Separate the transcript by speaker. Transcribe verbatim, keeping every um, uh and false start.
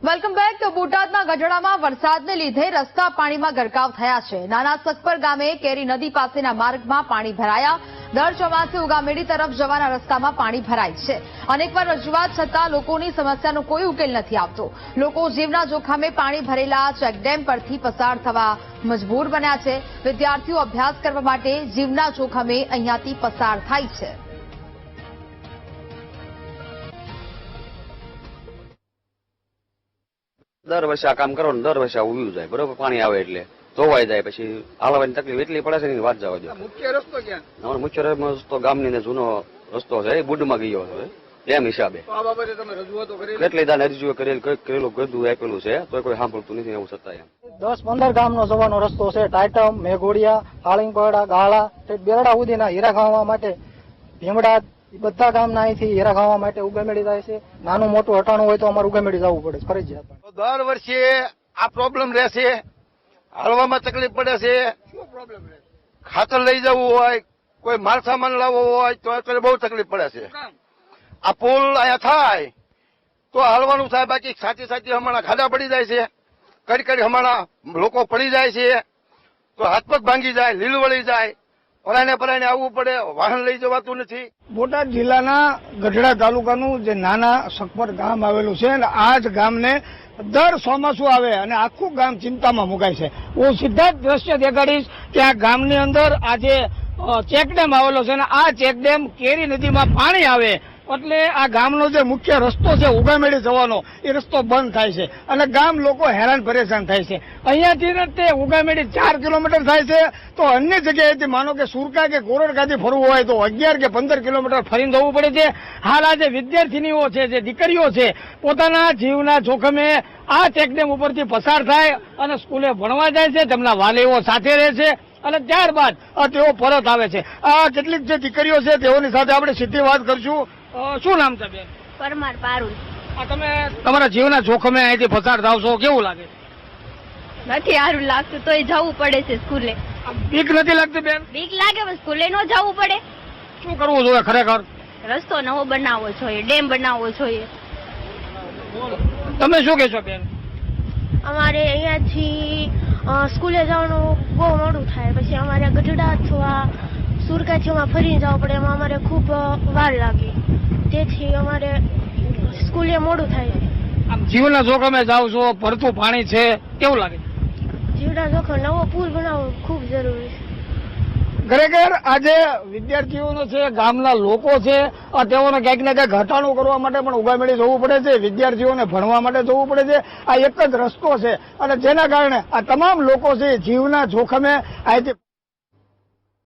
Speaker 1: Welcome back. તો બોટાદના ગઢડામાં વરસાદને લીધે રસ્તા પાણીમાં ગરકાવ થયા છે। નાના સકપર ગામે કેરી નદી પાસેના માર્ગમાં પાણી ભરાયા। દર ચોમાસે ઉગામેડી તરફ જવાના રસ્તામાં પાણી ભરાય છે। અનેકવાર રજૂઆત છતાં લોકોની સમસ્યાનો કોઈ ઉકેલ નથી આવતો। લોકો જીવના જોખમે પાણી ભરેલા ચેકડેમ પરથી પસાર થવા મજબૂર બન્યા છે। વિદ્યાર્થીઓ અભ્યાસ કરવા માટે જીવના જોખમે અહીંયાથી પસાર થાય છે।
Speaker 2: દર વર્ષે આ કામ કરો ને દર વર્ષે ઉભ્યું જાય બરોબર, પાણી આવે એટલે ધોવાઈ જાય, પછી હાલવાની તકલીફ એટલી પડે છે ને વાત જવા દો।
Speaker 3: મુખ્ય રસ્તો ક્યાં?
Speaker 2: અમારો મુખ્ય રસ્તો ગામની ને જૂનો રસ્તો છે, એ બુડમાં ગયો છે એમ હિસાબે।
Speaker 3: આ બાબતે તમે રજૂઆતો કરી?
Speaker 2: કેટલી દાન અરજીઓ કરેલ, કરેલું ગધું આપેલું છે તો કોઈ સાંભળતું નથી એવું છતાં એમ।
Speaker 4: દસ પંદર ગામનો જવાનો રસ્તો છે। ટાઈટમ, મેઘોડિયા, હાળીંગપડા, ગાળા, બેરડા સુધીના હીરા ખાવા માટે ભીમડા બધા ગામના અહીંથી હીરા ખાવા માટે ઉગામેડી જાય છે। નાનું મોટું હટાણું હોય તો અમારે ઉગામેડી જવું પડે ફરજિયાત।
Speaker 3: દર વર્ષે આ પ્રોબ્લેમ રહેશે, હાલવામાં તકલીફ પડે છે। શું પ્રોબ્લેમ રહે? ખાતર લઈ જવું હોય, કોઈ માલ સામાન લાવવો હોય તો અત્યારે બહુ તકલીફ પડે છે। આ પુલ અહીંયા થાય તો હાલવાનું થાય, બાકી સાચી સાચી હમણાં ખાડા પડી જાય છે, કડી કડી હમણાં લોકો પડી જાય છે તો હાથ પગ ભાંગી જાય, લીલ વળી જાય, પરાણે પરાણે આવવું પડે, વાહન લઈ જવાતું નથી।
Speaker 5: બોટાદ જિલ્લાના ગઢડા તાલુકાનું જે નાના સકપર ગામ આવેલું છે અને આ જ ગામને દર ચોમાસું આવે અને આખું ગામ ચિંતામાં મુકાય છે। હું સીધા જ દ્રશ્ય દેખાડીશ કે આ ગામની અંદર આ જે ચેકડેમ આવેલો છે અને આ ચેકડેમ કેરી નદીમાં પાણી આવે એટલે આ ગામનો જે મુખ્ય રસ્તો છે ઉગામેડી જવાનો એ રસ્તો બંધ થાય છે અને ગામ લોકો હેરાન પરેશાન થાય છે। અહીંયાથી તે ઉગામેડી ચાર કિલોમીટર થાય છે તો અન્ય જગ્યાએથી માનો કે સુરકા કે કોરડકાથી ફરવું હોય તો અગિયાર કે પંદર કિલોમીટર ફરીને જવું પડે છે। હાલ આ જે વિદ્યાર્થીનીઓ છે, જે દીકરીઓ છે, પોતાના જીવના જોખમે આ ચેકડેમ ઉપરથી પસાર થાય અને સ્કૂલે ભણવા જાય છે, તેમના વાલીઓ સાથે રહે છે અને ત્યારબાદ તેઓ પરત આવે છે। આ કેટલીક જે દીકરીઓ છે તેઓની સાથે આપણે સીધી વાત કરશું। શું નામ છે બેન?
Speaker 6: પરમાર પારુલ।
Speaker 5: આ તમે તમારા જીવના જોખમે અહીંથી પસાર થાવ છો, કેવું લાગે?
Speaker 6: નથી સારું લાગતું તોય જવું પડે છે સ્કૂલે।
Speaker 5: બીક નથી લાગતી બેન?
Speaker 6: બીક લાગે પણ સ્કૂલે ન જવું પડે।
Speaker 5: શું કરવું જોઈએ ખરેખર?
Speaker 6: રસ્તો નવો બનાવવો જોઈએ, ડેમ બનાવવો જોઈએ।
Speaker 5: તમે શું કહેશો બેન?
Speaker 7: અમારે અહીંયાથી સ્કૂલે જવાનું બહુ મોડું થાય, પછી અમારે ગઢડા અથવા સુરકાથીમાં ફરીને જવું પડે, એમાં અમારે ખૂબ વાર લાગે, તેથી અમારે સ્કૂલે મોડું થાય છે।
Speaker 5: આમ જીવના જોખમે જાવ છો, ભરતું પાણી છે, કેવું લાગે?
Speaker 7: જીવના જોખમ નવો પુલ બનાવવો ખૂબ જરૂરી છે।
Speaker 5: ખરેખર આજે વિદ્યાર્થીઓનો છે, ગામના લોકો છે, તેઓને ક્યાંક ને ક્યાંક ઘટાડો કરવા માટે પણ ઉગામેડી જવું પડે છે, વિદ્યાર્થીઓને ભણવા માટે જવું પડે છે। આ એક જ રસ્તો છે અને જેના કારણે આ તમામ લોકો છે જીવના જોખમે અહીંથી